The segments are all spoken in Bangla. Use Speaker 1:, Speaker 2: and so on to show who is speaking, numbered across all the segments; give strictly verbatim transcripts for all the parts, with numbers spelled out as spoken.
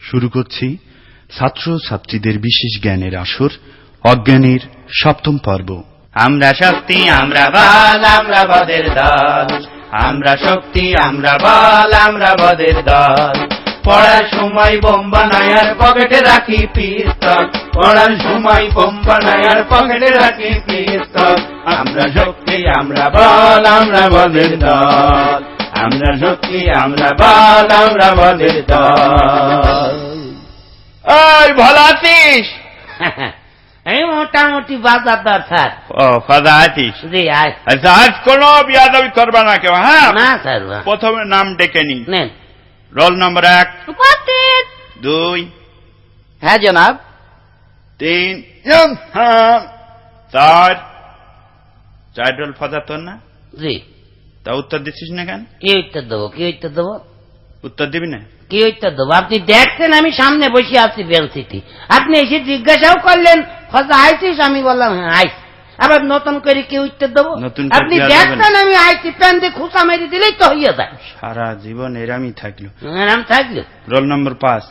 Speaker 1: শুরু করছি ছাত্র ছাত্রীদের বিশেষ জ্ঞানের আসর অজ্ঞানের সপ্তম পর্ব।
Speaker 2: আমরা শক্তি আমরা বল আমরা বদের দল, আমরা শক্তি আমরা বল আমরা বদের দল। পড়ার সময় বোম বানাই আর পকেটে রাখি পিস্তল, পড়ার সময় বোম বানাই আর পকেটে রাখি পিস্তল। আমরা শক্তি আমরা বল আমরা বদের দল, আমরা শক্তি আমরা বল আমরা বদের দল। ওই ভালো আছিস?
Speaker 3: এই মোটামুটি বাজার দরকার।
Speaker 2: ও ফাদা আছিস?
Speaker 3: জি আয়।
Speaker 2: আচ্ছা আজ কোনো বিয়াদবি করবা না কেউ? হ্যাঁ
Speaker 3: না স্যার।
Speaker 2: প্রথমে নাম ডেকে নি।
Speaker 3: নেন।
Speaker 2: রোল নম্বর এক।
Speaker 3: উপস্থিত।
Speaker 2: দুই।
Speaker 3: হ্যাঁ জনাব।
Speaker 2: তিন। হ্যাঁ চার। চার রোল ফাদা তোর না?
Speaker 3: জি।
Speaker 2: তা উত্তর দিচ্ছিস না কেন?
Speaker 3: কি উত্তর দেবো কি উত্তর দেবো?
Speaker 2: উত্তর দিবি না?
Speaker 3: কি উত্তর দেবো? আপনি দেখছেন আমি সামনে বসে আছি বেঞ্চিতে, আপনি এসে জিজ্ঞাসাও করলেন ফজা আইছিস, আমি বললাম হ্যাঁ আইস। আবার নতুন করে কি উত্তর দেবো? আপনি দেখছেন আমি আইছি, প্যান দিয়ে খুঁচা মেরে দিলেই তো হইয়া যায়।
Speaker 2: সারা জীবন এরামই থাকলো।
Speaker 3: এরাম থাকলো।
Speaker 2: রোল নম্বর পাঁচ।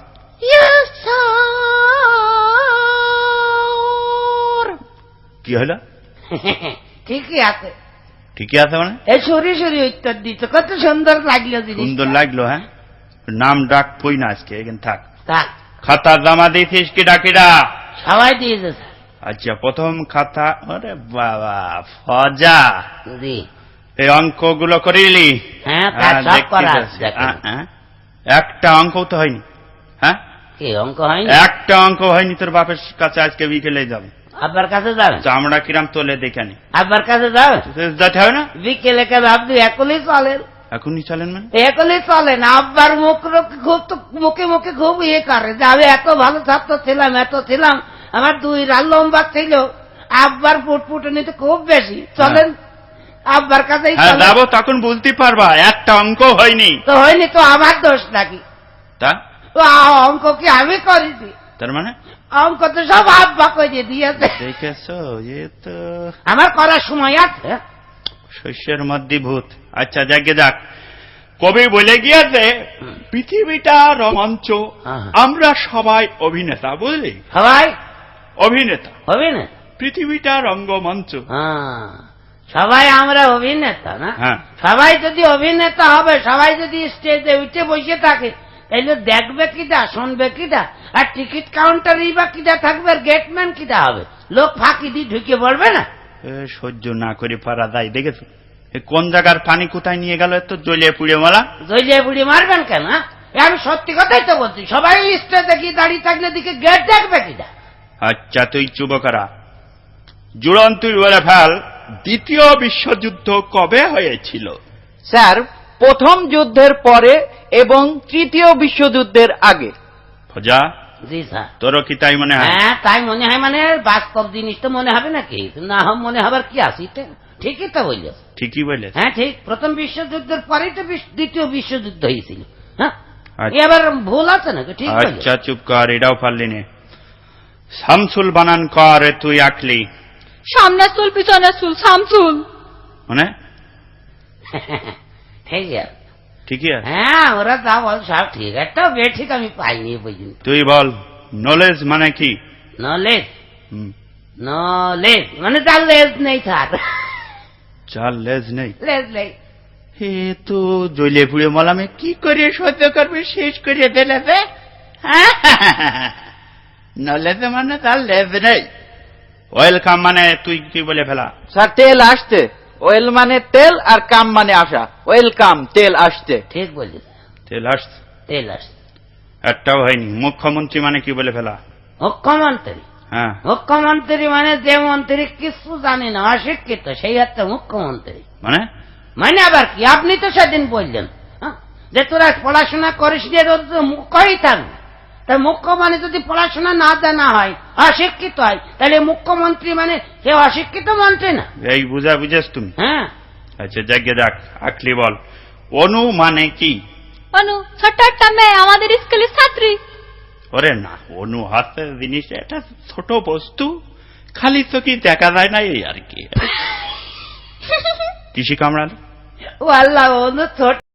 Speaker 2: কি হলো?
Speaker 3: ঠিকই আছে।
Speaker 2: ঠিকই আছে মানে?
Speaker 3: এই সরি সরি উত্তর দিত, কত সুন্দর লাগলো।
Speaker 2: সুন্দর লাগলো। হ্যাঁ নাম ডাক কই না আজকে, এখানে থাক।
Speaker 3: থাক।
Speaker 2: খাতা জমা দিয়েছিস কি ডাকিরা?
Speaker 3: সবাই দিয়েছে।
Speaker 2: আচ্ছা প্রথম খাতা। আরে বাবা ফজা,
Speaker 3: জি
Speaker 2: এই অঙ্কগুলো করিলি?
Speaker 3: হ্যাঁ সব করা আছে।
Speaker 2: একটা অঙ্ক তো হয়নি। হ্যাঁ
Speaker 3: কি অঙ্ক হয়নি? একটা
Speaker 2: অঙ্ক হয়নি। তোর বাপের কাছে আজকে বিকেলে যাবে।
Speaker 3: আব্বার কাছে যাবে?
Speaker 2: চামড়া কিরাম তোলে দেখে নি।
Speaker 3: আব্বার কাছে যাবে?
Speaker 2: যেতে হবে না।
Speaker 3: বিকেলে কেন? আপনি একলেই চলেন?
Speaker 2: এখনই চলেন মানে?
Speaker 3: একলেই চলেন। আব্বার মুখ খুব তো মুখে মুখে খুব ইয়ে করে যে আমি এত ভালো ছাত্র ছিলাম, এত ছিলাম, আমার দুই রাত লম্বা ছিল। আব্বার ফুটফুটে নিতে খুব বেশি। চলেন আব্বার কাছেই
Speaker 2: যাবো, তখন বলতে পারবা একটা অঙ্ক হয়নি।
Speaker 3: তো হয়নি তো আমার দোষ নাকি?
Speaker 2: তা
Speaker 3: অঙ্ক কি আমি করেছি?
Speaker 2: তার মানে
Speaker 3: অঙ্ক তো সব আব্বা করে দিয়েছে।
Speaker 2: দেখেছো, এ তো
Speaker 3: আমার করার সময় আছে।
Speaker 2: শস্যের মধ্যে ভূত। আচ্ছা যাকে যাক, কবি বলে গিয়েছে পৃথিবীটা রোমাঞ্চ, আমরা সবাই অভিনেতা। বুঝলি?
Speaker 3: সবাই
Speaker 2: অভিনেতা।
Speaker 3: অভিনেতা?
Speaker 2: পৃথিবীটা রঙ্গমঞ্চ।
Speaker 3: সবাই আমরা অভিনেতা না?
Speaker 2: হ্যাঁ।
Speaker 3: সবাই যদি অভিনেতা হবে, সবাই যদি স্টেজে উঠে বসে থাকে, তাইলে দেখবে কিটা, শুনবে কিটা, আর টিকিট কাউন্টারই বা কিটা থাকবে, আর গেটম্যান কিটা হবে? লোক ফাঁকি দিয়ে ঢুকে পড়বে না?
Speaker 2: সহ্য না করে পারা যায়। দেখেছো কোন জায়গার পানি কোথায় নিয়ে গেল? এত জ্বলিয়ে পুড়ে মারা।
Speaker 3: জ্বলিয়ে পুড়িয়ে মারবেন কেন? আমি সত্যি কথাই তো বলছি। সবাই স্টেজে গিয়ে দাঁড়িয়ে থাকলে দিকে গেট দেখবে কিটা।
Speaker 2: আচ্ছা তুই চুপ করা। জুড়ন তুই বলে ফেল, দ্বিতীয় বিশ্বযুদ্ধ কবে হয়েছিল?
Speaker 4: স্যার প্রথম যুদ্ধের পরে এবং তৃতীয় বিশ্বযুদ্ধের আগে।
Speaker 2: ফজা?
Speaker 3: জি স্যার।
Speaker 2: তোরও কি তাই মনে হয়?
Speaker 3: হ্যাঁ তাই মনে হয়। মানে বাস্তব জিনিস তো মনে হবে নাকি? না মনে হবার কি আছে? ঠিকই তো বলল।
Speaker 2: ঠিকই বলে।
Speaker 3: হ্যাঁ ঠিক। প্রথম বিশ্বযুদ্ধের পরেই তো দ্বিতীয় বিশ্বযুদ্ধ হয়েছিল। হ্যাঁ এবার ভুল আছে নাকি? ঠিক।
Speaker 2: আচ্ছা চুপ কর, এটাও পারলি নে। শামসুল বানান কর তুই আঁকলি।
Speaker 5: সামনে চুল পিছনে চুল শামসুল।
Speaker 2: মানে
Speaker 3: ঠিক আছে।
Speaker 2: ঠিকই আছে।
Speaker 3: হ্যাঁ ওরা যা বল সব ঠিক। একটা বে ঠিক আমি পাইনি বুঝলি।
Speaker 2: তুই বল নলেজ মানে কি?
Speaker 3: নলেজ? নলেজ মানে তার লেজ নেই স্যার।
Speaker 2: চার লেজ নেই?
Speaker 3: লেজ নেই।
Speaker 2: হে তো জ্বলিয়ে পুড়ে মলামে কি করে সহ্য করবে, শেষ করে দিলে। নলেজ মানে তার লেজ নেই। ওয়েলকাম মানে তুই কি বলে ফেলা?
Speaker 4: স্যার তেল আসতে। ওয়েল মানে তেল আর কাম মানে আসা। ওয়েলকাম তেল আসতে।
Speaker 3: ঠিক বলছিস।
Speaker 2: তেল আসতে।
Speaker 3: তেল আসতে
Speaker 2: একটাও হয়নি। মুখ্যমন্ত্রী মানে কি বলে ফেলা?
Speaker 3: মুখ্যমন্ত্রী?
Speaker 2: হ্যাঁ
Speaker 3: মুখ্যমন্ত্রী মানে যে মন্ত্রী কিছু জানে না, অশিক্ষিত, সেই হচ্ছে মুখ্যমন্ত্রী।
Speaker 2: মানে?
Speaker 3: মানে আবার কি? আপনি তো সেদিন বললেন যে তোরা পড়াশোনা করিস নি, মুখ্যই থাকবে। তাই মুখ্য মানে যদি পড়াশোনা না জানা হয়, অশিক্ষিত হয়, তাহলে মুখ্যমন্ত্রী মানে সে অশিক্ষিত মন্ত্রী না?
Speaker 2: এই বুঝা বুঝেছ তুমি?
Speaker 3: হ্যাঁ।
Speaker 2: আচ্ছা যাকে যাক, আকলি বল অনু মানে কি?
Speaker 5: অনু ছোট্ট একটা মেয়ে, আমাদের স্কুলের ছাত্রী।
Speaker 2: ওরে না, অনু হাতে জিনিস এটা ছোট বস্তু, খালি তো কি দেখা যায় না, এই আর কি। কৃষি কামড়াল।
Speaker 3: ও আল্লাহ, অনু ছোট